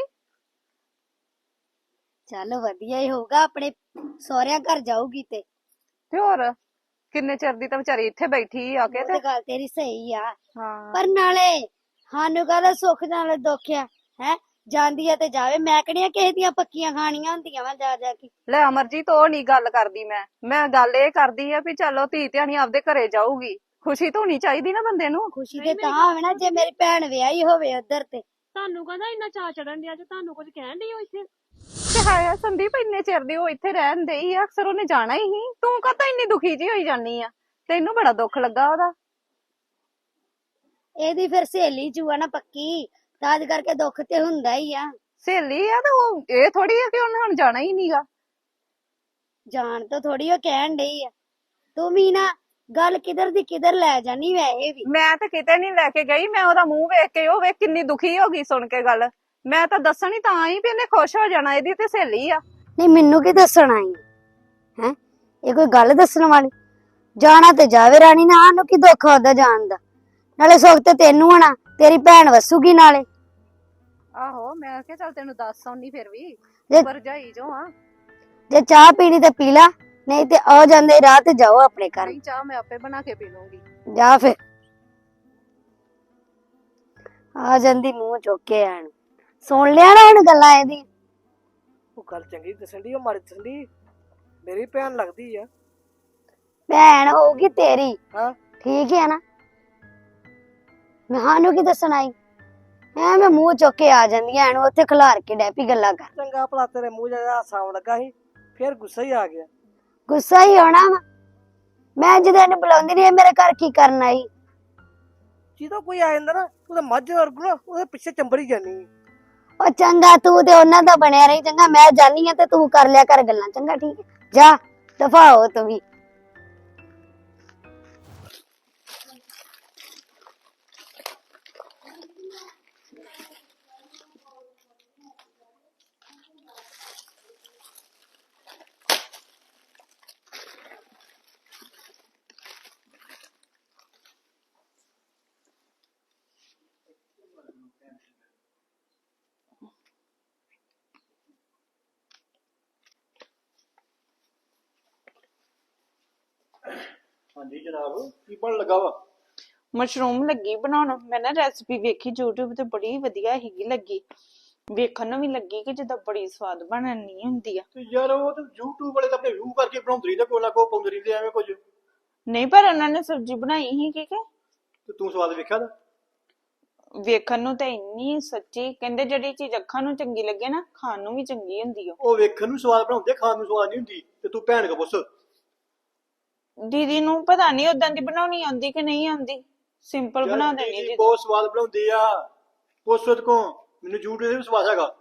ਚੱਲ ਵਧੀਆ ਹੀ ਹੋਊਗਾ, ਆਪਣੇ ਸਹੁਰਿਆਂ ਘਰ ਜਾਊਗੀ ਤੇ।
ਤੇ ਹੋਰ ਕਿੰਨੇ ਚਿਰ ਦੀ ਤਾਂ ਵਿਚਾਰੀ ਇੱਥੇ ਬੈਠੀ ਆ ਕੇ
ਉਹ
ਤੇ
ਤੇ ਗੱਲ ਤੇਰੀ ਸਹੀ ਆ,
ਹਾਂ
ਪਰ ਨਾਲੇ ਸਾਨੂੰ ਕਾਹਦਾ ਸੁੱਖ ਨਾਲੇ ਦੁੱਖ ਆ ਹੈ। ਜਾਂਦੀ ਆ ਤੇ ਜਾਵੇ, ਮੈਂ ਕਿਹੜੀਆਂ ਕਿਸੇ ਦੀਆਂ ਪੱਕੀਆਂ ਖਾਣੀਆਂ ਹੁੰਦੀਆਂ ਵਾ ਜਾ ਜਾ ਕੇ।
ਲੈ ਅਮਰਜੀਤ ਉਹ ਨਹੀਂ ਗੱਲ ਕਰਦੀ ਮੈਂ ਮੈਂ ਗੱਲ ਇਹ ਕਰਦੀ ਆ ਵੀ ਚਲੋ ਧੀ ਧਿਆਣੀ ਆਪਦੇ ਘਰੇ ਜਾਊਗੀ, ਖੁਸ਼ੀ ਤਾਂ ਹੋਣੀ ਚਾਹੀਦੀ ਨਾ ਬੰਦੇ ਨੂੰ।
ਖੁਸ਼ੀ ਤੇ ਤਾਂ ਹੋਵੇ ਨਾ ਜੇ ਮੇਰੀ ਭੈਣ ਵਿਆਹੀ ਹੋਵੇ ਉੱਧਰ ਤੇ।
ਤੁਹਾਨੂੰ ਕਹਿੰਦਾ ਇੰਨਾ ਚਾਅ ਚੜਨ ਡਿਆ, ਜੇ ਤੁਹਾਨੂੰ ਕੁਝ ਕਹਿਣ ਡਈ ਹੋ ਇੱਥੇ।
ਤੇ ਹਾਇਆ ਸੰਦੀਪ ਇੰਨੇ ਚਿਰ ਦੀ ਉਹ ਇੱਥੇ ਰਹਿਣ ਡਈ ਆ, ਅਕਸਰ ਉਹਨੇ ਜਾਣਾ ਹੀ ਸੀ, ਤੂੰ ਕਾਹਤੋਂ ਇੰਨੀ ਦੁਖੀ ਜੀ ਹੋਈ ਜਾਨੀ ਆ? ਤੈਨੂੰ ਬੜਾ ਦੁੱਖ ਲੱਗਾ ਉਹਦਾ।
ਇਹਦੀ ਫਿਰ ਸਹੇਲੀ ਚੂਆ ਨਾ ਪੱਕੀ, ਤਾਂ ਅੱਜ ਕਰਕੇ ਦੁੱਖ ਤੇ ਹੁੰਦਾ ਹੀ ਆ।
ਸਹੇਲੀ ਆ ਤੇ ਉਹ ਇਹ ਥੋੜੀ ਆ ਕਿ ਉਹਨੇ ਹੁਣ ਜਾਣਾ ਹੀ ਨਹੀਂਗਾ।
ਜਾਣ ਤੋਂ ਥੋੜੀ ਉਹ ਕਹਿਣ ਡਈ ਆ, ਤੂੰ ਵੀ ਨਾ ਗੱਲ ਕਿਧਰ ਦੀ ਕਿਧਰ ਲੈ ਜਾਨੀ ਵੈਸੇ ਵੀ।
ਮੈਂ ਤਾਂ ਕਿਤੇ ਨਹੀਂ ਲੈ ਕੇ ਗਈ, ਮੈਂ ਉਹਦਾ ਮੂੰਹ ਵੇਖ ਕੇ ਉਹ ਵੇਖ ਕਿੰਨੀ ਦੁਖੀ ਹੋ ਗਈ ਸੁਣ ਕੇ ਗੱਲ। ਮੈਂ ਤਾਂ ਦੱਸਣ ਹੀ ਤਾਂ ਆਈ ਵੀ ਇਹਨੇ ਖੁਸ਼ ਹੋ ਜਾਣਾ, ਇਹਦੀ ਤੇ ਸਹੇਲੀ ਆ।
ਨਹੀਂ ਮੈਨੂੰ ਕੀ ਦੱਸਣ ਆਈ ਹੈ, ਇਹ ਕੋਈ ਗੱਲ ਦੱਸਣ ਵਾਲੀ? ਜਾਣਾ ਤੇ ਜਾਵੇ ਰਾਣੀ ਨਾ, ਸਾਨੂੰ ਕੀ ਦੁੱਖ ਉਹਦਾ ਜਾਣ ਦਾ। ਨਾਲੇ ਸੁੱਖ ਤੇ ਤੈਨੂੰ ਹੋਣਾ, ਤੇਰੀ ਭੈਣ ਵਸੂਗੀ ਨਾਲੇ।
ਆਹੋ ਮੈਂ ਕਿਹਾ ਚੱਲ ਤੈਨੂੰ ਦੱਸ ਆਉਣੀ ਫਿਰ ਵੀ,
ਜੇ-
ਭਰਜਾਈ ਜੋ ਆ।
ਜੇ ਚਾਹ ਪੀਣੀ ਤੇ ਪੀ ਲਾ, ਨਹੀਂ ਤੇ ਆ ਜਾਂਦੇ ਰਾਹ ਤੇ ਜਾਓ ਆਪਣੇ ਘਰ।
ਨਹੀਂ ਚਾਹ ਮੈਂ ਆਪੇ ਬਣਾ ਕੇ ਪੀ ਲੂੰਗੀ।
ਜਾ ਫਿਰ, ਆ ਜਾਂਦੀ ਮੂੰਹ ਚੁੱਕ ਕੇ ਆਣ। ਸੁਣ ਲਿਆ ਨਾ ਹੁਣ ਗੱਲਾਂ ਇਹਦੀ?
ਉਹ ਗੱਲ ਚੰਗੀ ਦੱਸਣ ਦੀ, ਉਹ ਮਾੜੀ ਦੱਸਣ ਦੀ। ਮੇਰੀ ਭੈਣ ਲੱਗਦੀ ਆ।
ਭੈਣ ਹੋਊਗੀ ਤੇਰੀ,
ਹਾਂ
ਠੀਕ ਹੈ ਨਾ? ਮੈਂ ਸਾਨੂੰ ਕੀ ਦੱਸਣ ਆਈ? ਐਵੇਂ ਮੂੰਹ ਚੁੱਕ ਕੇ ਆ ਜਾਂਦੀਆਂ ਐਨ, ਉੱਥੇ ਖਿਲਾਰ ਕੇ ਡੈਪੀ ਗੱਲਾਂ ਕਰ।
ਚੰਗਾ ਭਲਾ ਤੇਰੇ ਮੂੰਹ ਜਿਹਾ ਹਾਸਾ ਆਉਣ ਲੱਗਾ ਸੀ, ਫਿਰ ਗੁੱਸਾ ਹੀ ਆ ਗਿਆ।
ਗੁੱਸਾ ਹੀ ਹੋਣਾ ਵਾ, ਮੈਂ ਜਦੋਂ ਇਹਨੂੰ ਬੁਲਾਉਂਦੀ ਨਹੀਂ ਮੇਰੇ ਘਰ ਕੀ ਕਰਨ ਆਈ?
ਜਦੋਂ ਕੋਈ ਆ ਜਾਂਦਾ ਨਾ, ਉਹਦੇ ਮੱਝ ਵਰਗੂ ਨਾ ਉਹਦੇ ਪਿੱਛੇ ਚੰਬੜੀ ਜਾਨੀ।
ਉਹ ਚੰਗਾ, ਤੂੰ ਤੇ ਉਹਨਾਂ ਦਾ ਬਣਿਆ ਰਹੀ। ਚੰਗਾ ਮੈਂ ਜਾਨੀ ਆ ਤੇ ਤੂੰ ਕਰ ਲਿਆ ਕਰ ਗੱਲਾਂ। ਚੰਗਾ ਠੀਕ ਹੈ, ਜਾ ਦਫਾ ਹੋ ਤੂੰ ਵੀ।
ਹਾਂਜੀ ਜਨਾਬ, ਕੀ ਬਣ ਲੱਗਾ ਵਾ?
ਮਸ਼ਰੂਮ ਲੱਗੀ ਬਣਾਉਣ। ਮੈਂ ਨਾ ਰੈਸਪੀ ਵੇਖੀ YouTube ਤੇ, ਬੜੀ ਵਧੀਆ ਹੈਗੀ ਲੱਗੀ, ਵੇਖਣ ਨੂੰ ਵੀ ਲੱਗੀ ਕਿ ਜਿੱਦਾਂ ਬੜੀ ਸਵਾਦ ਬਣਨੀ ਹੁੰਦੀ ਆ।
ਤੇ ਯਾਰ ਉਹ ਤੇ YouTube ਵਾਲੇ ਤਾਂ ਆਪਣੇ ਵਿਊ ਕਰਕੇ ਬਣਾਉਂਦੇ ਰਹਿੰਦੇ, ਕੋਈ ਨਾ ਕੋਈ ਪਾਉਂਦੇ ਰਹਿੰਦੇ ਐਵੇਂ ਕੁਝ।
ਨਹੀਂ ਪਰ ਉਹਨਾਂ ਨੇ ਸਬਜ਼ੀ ਬਣਾਈ ਸੀ ਕਿ ਕਿ
ਤੇ ਤੂੰ ਸਵਾਦ ਵੇਖਿਆ ਨਾ?
ਵੇਖਣ ਨੂੰ ਤਾਂ ਇੰਨੀ ਸੱਚੀ, ਕਹਿੰਦੇ ਜਿਹੜੀ ਚੀਜ਼ ਅੱਖਾਂ ਨੂੰ ਚੰਗੀ ਲੱਗੇ ਨਾ, ਖਾਣ ਨੂੰ ਵੀ ਚੰਗੀ ਹੁੰਦੀ ਆ।
ਉਹ ਵੇਖਣ ਨੂੰ ਸਵਾਦ ਬਣਾਉਂਦੇ, ਖਾਣ ਨੂੰ ਸਵਾਦ ਨਹੀਂ ਹੁੰਦੀ। ਤੇ ਤੂੰ ਭੈਣ ਕੋ ਪੁੱਛ।
ਦੀਦੀ ਨੂੰ ਪਤਾ ਨਹੀਂ ਉਦਾਂ ਦੀ ਬਣਾਉਣੀ ਆਉਂਦੀ ਕਿ ਨਹੀਂ ਆਉਂਦੀ, ਸਿੰਪਲ
ਯਾਰ
ਬਣਾ
ਦੀਦੀ
ਦੇਣੀ ਦੀਦੀ।
ਬਹੁਤ ਸਵਾਦ ਬਣਾਉਂਦੀ ਆ, ਪੁੱਛ ਉਹਦੇ ਕੋ। ਮੈਨੂੰ YouTube ਤੇ ਵੀ ਸਵਾਦ ਹੈਗਾ।